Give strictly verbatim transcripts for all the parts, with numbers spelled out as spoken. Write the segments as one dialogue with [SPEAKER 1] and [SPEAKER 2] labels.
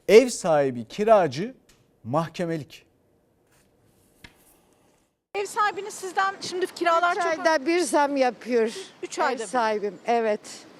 [SPEAKER 1] Ev sahibi kiracı mahkemelik.
[SPEAKER 2] Ev sahibiniz sizden şimdi kiralar
[SPEAKER 3] Üç
[SPEAKER 2] çok...
[SPEAKER 3] ayda bir zam yapıyor.
[SPEAKER 2] Üç
[SPEAKER 3] Ev
[SPEAKER 2] ayda bir.
[SPEAKER 3] sahibim, evet.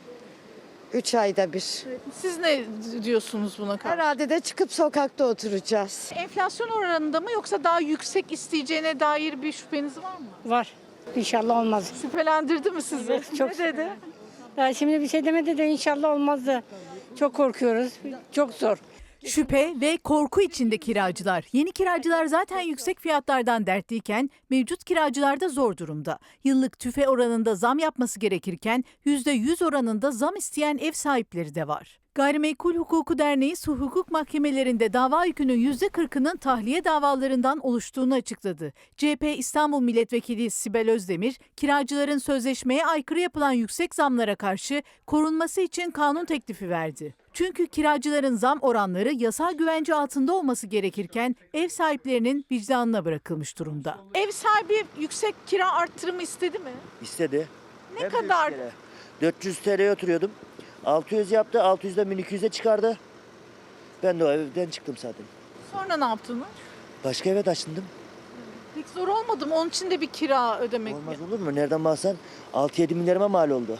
[SPEAKER 3] Üç ayda bir.
[SPEAKER 2] Siz ne diyorsunuz buna karşı?
[SPEAKER 3] Herhalde de çıkıp sokakta oturacağız.
[SPEAKER 2] Enflasyon oranında mı yoksa daha yüksek isteyeceğine dair bir şüpheniz var mı?
[SPEAKER 4] Var. İnşallah olmaz.
[SPEAKER 2] Şüphelendirdi mi sizi?
[SPEAKER 4] Evet, çok
[SPEAKER 2] ne dedi?
[SPEAKER 4] Daha şimdi bir şey demedi de inşallah olmazdı. Çok korkuyoruz. Çok zor.
[SPEAKER 5] Şüphe ve korku içinde kiracılar. Yeni kiracılar zaten yüksek fiyatlardan dertliyken mevcut kiracılar da zor durumda. Yıllık tüfe oranında zam yapması gerekirken yüzde yüz oranında zam isteyen ev sahipleri de var. Gayrimenkul Hukuku Derneği su hukuk mahkemelerinde dava yükünün yüzde kırkının tahliye davalarından oluştuğunu açıkladı. C H P İstanbul Milletvekili Sibel Özdemir, kiracıların sözleşmeye aykırı yapılan yüksek zamlara karşı korunması için kanun teklifi verdi. Çünkü kiracıların zam oranları yasal güvence altında olması gerekirken ev sahiplerinin vicdanına bırakılmış durumda.
[SPEAKER 2] Ev sahibi yüksek kira arttırımı istedi mi?
[SPEAKER 6] İstedi.
[SPEAKER 2] Ne
[SPEAKER 6] Hem de üç
[SPEAKER 2] kadar?
[SPEAKER 6] kere. dört yüz T L'ye oturuyordum. altı yüz yaptı. altı yüzden bin iki yüze çıkardı. Ben de o evden çıktım zaten.
[SPEAKER 2] Sonra ne yaptınız?
[SPEAKER 6] Başka eve taşındım.
[SPEAKER 2] Pek zor olmadı mı? Onun için de bir kira ödemek.
[SPEAKER 6] Olmaz olur mu? Nereden baksan altı yedi milyarıma mal oldu.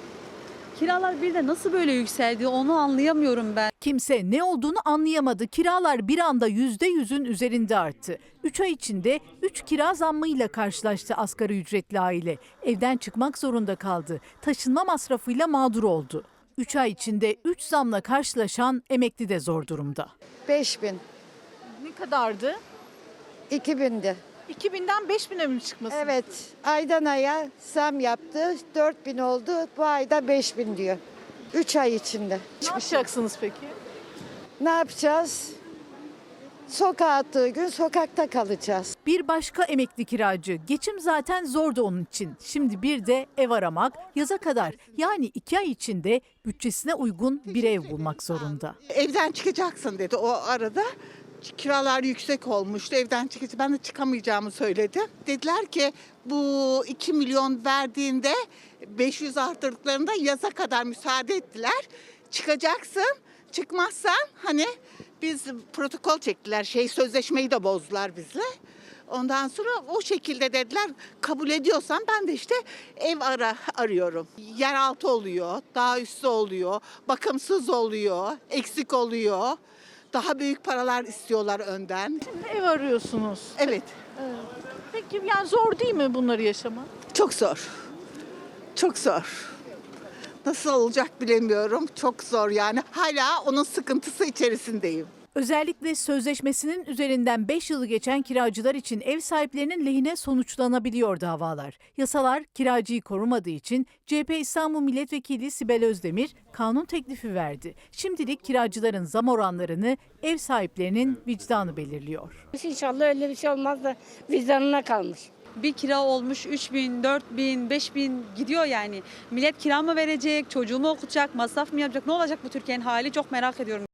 [SPEAKER 7] Kiralar bir de nasıl böyle yükseldi onu anlayamıyorum ben.
[SPEAKER 5] Kimse ne olduğunu anlayamadı. Kiralar bir anda yüzde yüzün üzerinde arttı. üç ay içinde üç kira zammıyla karşılaştı asgari ücretli aile. Evden çıkmak zorunda kaldı. Taşınma masrafıyla mağdur oldu. üç ay içinde üç zamla karşılaşan emekli de zor durumda.
[SPEAKER 3] Beş bin,
[SPEAKER 2] Ne kadardı?
[SPEAKER 3] iki bindi.
[SPEAKER 2] iki binden beş bine mi çıkması?
[SPEAKER 3] Evet, aydan aya zam yaptı. Dört bin oldu, bu ayda beş bin diyor. Üç ay içinde.
[SPEAKER 2] Ne yapacaksınız peki?
[SPEAKER 3] Ne yapacağız? Sokağa attığı gün sokakta kalacağız.
[SPEAKER 5] Bir başka emekli kiracı. Geçim zaten zordu onun için. Şimdi bir de ev aramak yaza kadar yani iki ay içinde bütçesine uygun bir ev bulmak zorunda.
[SPEAKER 8] Evden çıkacaksın dedi o arada. Kiralar yüksek olmuştu. Evden çıkacağım. Ben de çıkamayacağımı söyledim. Dediler ki bu iki milyon verdiğinde beş yüz arttırdıklarında yaza kadar müsaade ettiler. Çıkacaksın. Çıkmazsan hani biz protokol çektiler. Şey sözleşmeyi de bozdular bizle. Ondan sonra o şekilde dediler kabul ediyorsan ben de işte ev ara arıyorum. Yeraltı oluyor, daha üstü oluyor, bakımsız oluyor, eksik oluyor. Daha büyük paralar istiyorlar önden.
[SPEAKER 2] Şimdi ev arıyorsunuz.
[SPEAKER 8] Evet,
[SPEAKER 2] Peki yani zor değil mi bunları yaşamak?
[SPEAKER 8] çok zor. Çok zor. Nasıl olacak bilemiyorum. Çok zor yani. Hala onun sıkıntısı içerisindeyim.
[SPEAKER 5] Özellikle sözleşmesinin üzerinden beş yılı geçen kiracılar için ev sahiplerinin lehine sonuçlanabiliyor davalar. Yasalar kiracıyı korumadığı için C H P İstanbul Milletvekili Sibel Özdemir kanun teklifi verdi. Şimdilik kiracıların zam oranlarını ev sahiplerinin vicdanı belirliyor.
[SPEAKER 4] İnşallah öyle bir şey olmaz da vicdanına kalmış.
[SPEAKER 7] Bir kira olmuş üç bin, dört bin, beş bin gidiyor yani. Millet kira mı verecek, çocuğu mu okutacak, masraf mı yapacak? Ne olacak bu Türkiye'nin hali çok merak ediyorum.